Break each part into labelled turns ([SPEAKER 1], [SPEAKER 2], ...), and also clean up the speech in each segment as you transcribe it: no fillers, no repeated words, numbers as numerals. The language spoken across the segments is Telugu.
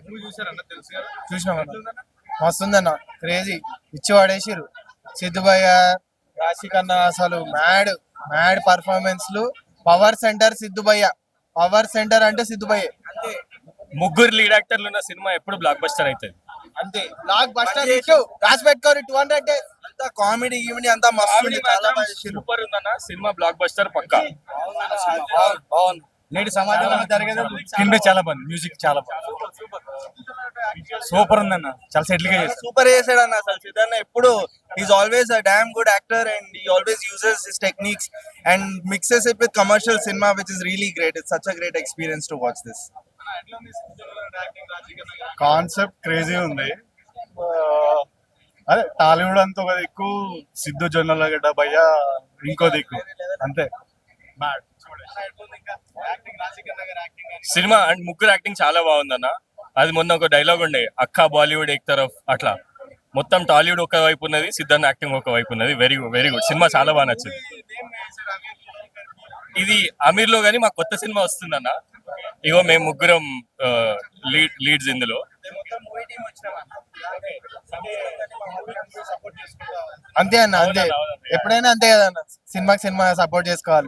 [SPEAKER 1] చూసినామన్న, మస్తుందన్న, క్రేజీ, ఇచ్చి పడేసిరు. సిద్ధుభయ్య, రాశికన్న అసలు మ్యాడ్ మ్యాడ్ పర్ఫార్మెన్స్లు. పవర్ సెంటర్ సిద్ధుభయ్య, పవర్ సెంటర్ అంటే సిద్ధుభయ్య అంతే.
[SPEAKER 2] ముగ్గురు లీడ్ యాక్టర్లు ఉన్న సినిమా ఎప్పుడు బ్లాక్ బస్టర్ అవుతుంది
[SPEAKER 1] అంతే. బ్లాక్ బస్టర్ ఇష్యూ రాసి పెట్టుకోరు 200 days.
[SPEAKER 3] అంతా కామెడీ ఈవెంట్ అంతా మస్తు
[SPEAKER 2] సూపర్ ఉందన్న సినిమా, బ్లాక్ బస్టర్ పక్కా.
[SPEAKER 4] నేటి సమాజంలో జరిగేది స్క్రీన్ ప్లే చాలా బాగుంది, మ్యూజిక్ చాలా బాగుంది, సూపర్ ఉందన్న, చాలా సెటిల్ గా చేశారు.
[SPEAKER 3] సూపర్ చేసాడు అన్న. అసలు సిద్ధార్థ ఎప్పుడు is always a damn good actor and he always uses his techniques and mixes it with commercial cinema which is really great. It's such a great experience to watch this.
[SPEAKER 5] Concept crazy ఉంది. అదే టాలీవుడ్ అంతా ఒక దిక్కు, సిద్ధు జొన్నలగడ్డ భయ్య ఇంకో దిక్కు, అంతే.
[SPEAKER 2] సినిమా అండ్ ముగ్గురు యాక్టింగ్ చాలా బాగుందన్న. అది మొన్న ఒక డైలాగ్ ఉండే, అక్క బాలీవుడ్ ఏక్ తరఫ్, అట్లా మొత్తం టాలీవుడ్ ఒక వైపు ఉన్నది, సిద్ధార్థ్ యాక్టింగ్ ఒక వైపు ఉన్నది. వెరీ వెరీ గుడ్ సినిమా, చాలా బాగా నచ్చింది. ఇది అమీర్ లో గానీ మా కొత్త సినిమా వస్తుందన్న. ఇగో మేము ముగ్గురం లీడ్స్ ఇందులో.
[SPEAKER 1] అంతే అన్న, అంతే, ఎప్పుడైనా అంతే కదా అన్న, సినిమా సపోర్ట్ చేసుకోవాలి.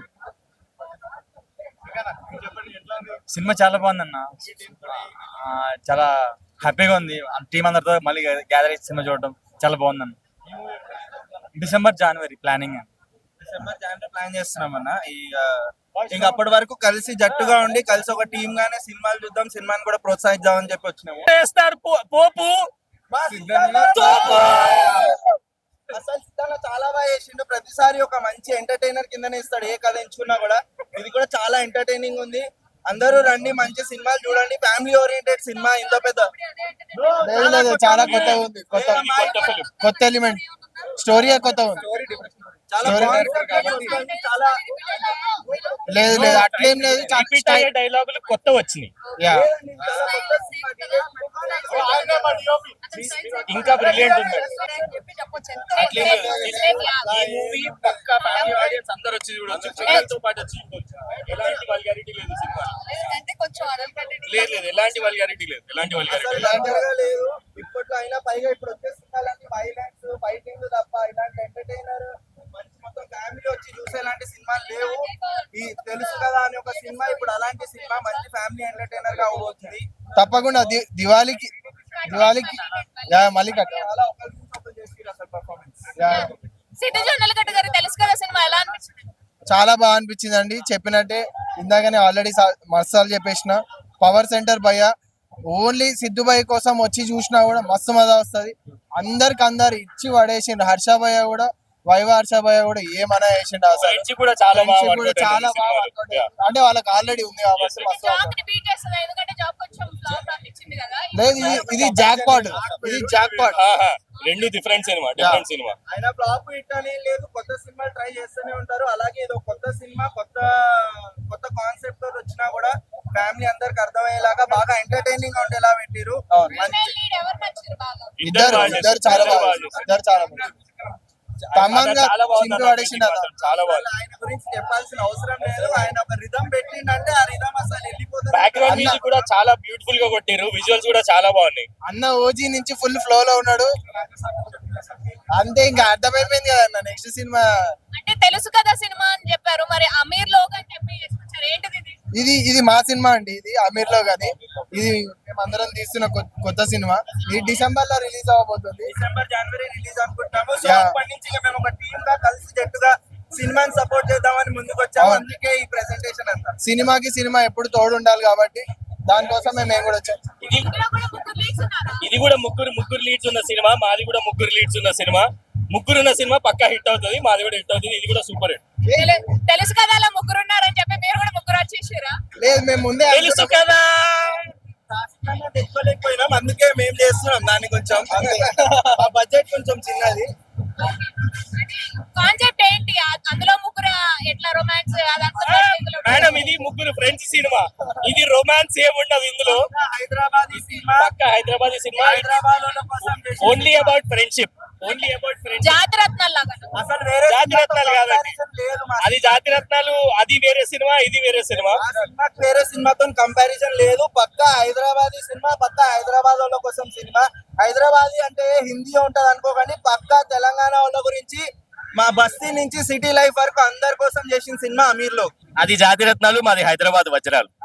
[SPEAKER 4] సినిమా చాలా బాగుందన్న, చాలా హ్యాపీగా ఉంది. టీం అందరితో మళ్ళీ గ్యాదర్ అయ్యి సినిమా చూడడం చాలా బాగుందన్న. డిసెంబర్ జనవరి ప్లానింగ్
[SPEAKER 3] ప్లాన్ చేస్తున్నాం అన్న. ఇంకా అప్పటి వరకు కలిసి జట్టుగా ఉండి కలిసి ఒక టీమ్ గానే సినిమాలు చూద్దాం, సినిమాని కూడా ప్రోత్సహిద్దాం అని చెప్పి వచ్చినాము.
[SPEAKER 2] పోపు
[SPEAKER 3] అసలు సిద్ధార్థ చాలా బాగా చేసిండు. ప్రతిసారి ఒక మంచి ఎంటర్టైనర్ కిందనే ఇస్తాడు, ఏ కథ ఎంచుకున్నా కూడా. ఇది కూడా చాలా ఎంటర్టైనింగ్ ఉంది. అందరూ రండి, మంచి సినిమాలు చూడండి. ఫ్యామిలీ ఓరియంటెడ్ సినిమా, ఇంత పెద్ద
[SPEAKER 1] చాలా కొత్త ఉంది, కొత్త ఎలిమెంట్, స్టోరీ కొత్త ఉంది. లేదు లేదు అట్లేం లేదు,
[SPEAKER 2] డైలాగులు కొత్త వచ్చినాయి, ఇంకా బ్రిలియంట్ ఉంది. ఈ మూవీ పక్కా ఫ్యామిలీ ఆడియన్స్ అందరూ వచ్చి చూడొచ్చు, పిల్లలతో పాటు వచ్చి చూడొచ్చు. ఎలాంటి వల్గారిటీ లేదు సినిమా, లేదు లేదు, ఎలాంటి వల్గారిటీ లేదు, ఎలాంటి వల్గారిటీ
[SPEAKER 3] లేదు ఇప్పట్లో అయినా. పైగా ఇప్పుడు వచ్చే సినిమాలన్నీ వైలెన్స్ ఫైటింగ్ తప్ప ఇలాంటి ఎంటర్టైనర్ మంచి మొత్తం ఫ్యామిలీ వచ్చి చూసేలాంటి సినిమాలు లేవు. ఈ తెలుసు కదా అని ఒక సినిమా ఇప్పుడు అలాంటి సినిమా మంచి ఫ్యామిలీ ఎంటర్టైనర్ గా అవుతుంది.
[SPEAKER 1] తప్పకుండా దివాళీకి మళ్ళీ
[SPEAKER 3] చాలా అసలు పర్ఫార్మెన్స్.
[SPEAKER 1] చాలా బాగా అనిపించింది అండి. చెప్పినట్టే ఇందాకనే ఆల్రెడీ మసాలు చెప్పేసిన. పవర్ సెంటర్ భయ్య ఓన్లీ సిద్ధు భయ్య కోసం వచ్చి చూసినా కూడా మస్తు మజా వస్తుంది. అందరు ఇచ్చి పడేసిండు. హర్ష భయ్య కూడా, వైవ హర్ష భయ్య కూడా ఏమన్నా వేసిండు. అసలు
[SPEAKER 2] కూడా చాలా
[SPEAKER 1] బాగా అంటే వాళ్ళకి ఆల్రెడీ ఉంది కాబట్టి మస్తు. లేదు ఇది జాక్ పాట్,
[SPEAKER 2] రెండు డిఫరెంట్ సినిమా.
[SPEAKER 3] అయినా ఫ్లాప్ హిట్ అని లేదు, కొత్త సినిమాలు ట్రై చేస్తూనే ఉంటారు. అలాగే ఏదో కొత్త సినిమా కొత్త కాన్సెప్ట్ తో వచ్చినా కూడా ఫ్యామిలీ అందరికి అర్థమయ్యేలాగా బాగా ఎంటర్టైనింగ్ గా ఉండేలా పెట్టిరు.
[SPEAKER 1] ఇద్దరు చాలా బాగా
[SPEAKER 3] ఆయన గురించి చెప్పాల్సిన అవసరం లేదు. ఆయన ఒక రిథమ్ పెట్టిండంటే ఆ రిథమ్ అసలు వెళ్ళిపోతుంది.
[SPEAKER 2] బ్యాక్గ్రౌండ్ మ్యూజిక్ కూడా చాలా బ్యూటిఫుల్ గా కొట్టారు, విజువల్స్ కూడా చాలా బాగున్నాయి.
[SPEAKER 1] అన్న ఓజీ నుంచి ఫుల్ ఫ్లో లో ఉన్నాడు. అంతే, ఇంకా అర్థమైపోయింది కదా అన్న. నెక్స్ట్ సినిమా
[SPEAKER 6] అంటే తెలుసు కదా సినిమా అని చెప్పారు, మరి అమీర్ లోగ్ అని చెప్పి ఏంటిది
[SPEAKER 1] ఇది మా సినిమా అండి. ఇది అమీర్ లో గానీ ఇది మేమందరం తీస్తున్న కొత్త సినిమా. ఇది డిసెంబర్ లో రిలీజ్ అవ్వబోతుంది.
[SPEAKER 3] డిసెంబర్ జనవరి రిలీజ్ అనుకుంటున్నాము. సో అప్పటి నుంచి మేము ఒక టీమ్ గా కలిసి జట్టుగా సినిమాని సపోర్ట్ చేద్దామని ముందుకు వచ్చాము. అందుకే ఈ ప్రెజెంటేషన్ అంతా.
[SPEAKER 1] సినిమా ఎప్పుడు తోడు ఉండాలి కాబట్టి దానికోసమే మేము కూడా వచ్చాం.
[SPEAKER 2] ఇది కూడా ముగ్గురు లీడ్స్ ఉన్న సినిమా, మాది కూడా ముగ్గురు లీడ్స్ ఉన్న సినిమా. ముగ్గురున్న సినిమా పక్కా హిట్ అవుతుంది, మాది కూడా హిట్ అవుతుంది. ఇది కూడా సూపర్ హిట్.
[SPEAKER 6] తెలుసు కదా అలా ముగ్గురు ఉన్నారని చెప్పి మీరు కూడా ముగ్గురు వచ్చేసారా?
[SPEAKER 1] లేదు, మేము ముందే
[SPEAKER 2] తెలుసు కదా
[SPEAKER 3] తెచ్చుకోలేకపోయినాం, అందుకే మేము చేస్తున్నాం దాన్ని. కొంచెం ఆ బడ్జెట్ కొంచెం చిన్నది.
[SPEAKER 6] కాన్సెప్ట్ ఏంటి అందులో? ముగ్గురు ఎట్లా రొమాన్స్?
[SPEAKER 2] మేడం ఇది ముగ్గురు ఫ్రెండ్స్ సినిమా, ఇది రొమాన్స్ ఏముండదు ఇందులో.
[SPEAKER 3] హైదరాబాదీ సినిమా,
[SPEAKER 2] పక్కా Hyderabadi cinema.
[SPEAKER 3] Hyderabad
[SPEAKER 2] only about friendship. Only about friends.
[SPEAKER 6] Jathi Ratnalu లాగా
[SPEAKER 3] అసలు వేరే
[SPEAKER 2] జాతిరత్నాలు కాదండి.
[SPEAKER 3] comparison లేదు మా
[SPEAKER 2] అది జాతిరత్నాలు, అది వేరే సినిమా, ఇది వేరే సినిమా.
[SPEAKER 3] ఆ సినిమాకి వేరే సినిమాతో కంపారిజన్ లేదు. పక్కా హైదరాబాదీ సినిమా, పక్కా హైదరాబాద్ వాళ్ళ కోసం సినిమా. హైదరాబాదీ అంటే హిందీ ఉంటది అనుకోకండి, పక్కా తెలంగాణ వాళ్ళ గురించి మా బస్తీ నుంచి సిటీ లైఫ్ వరకు అందరి కోసం చేసిన సినిమా అమీర్లో.
[SPEAKER 2] అది జాతిరత్నాలు, మాది హైదరాబాద్ వజ్రాలు.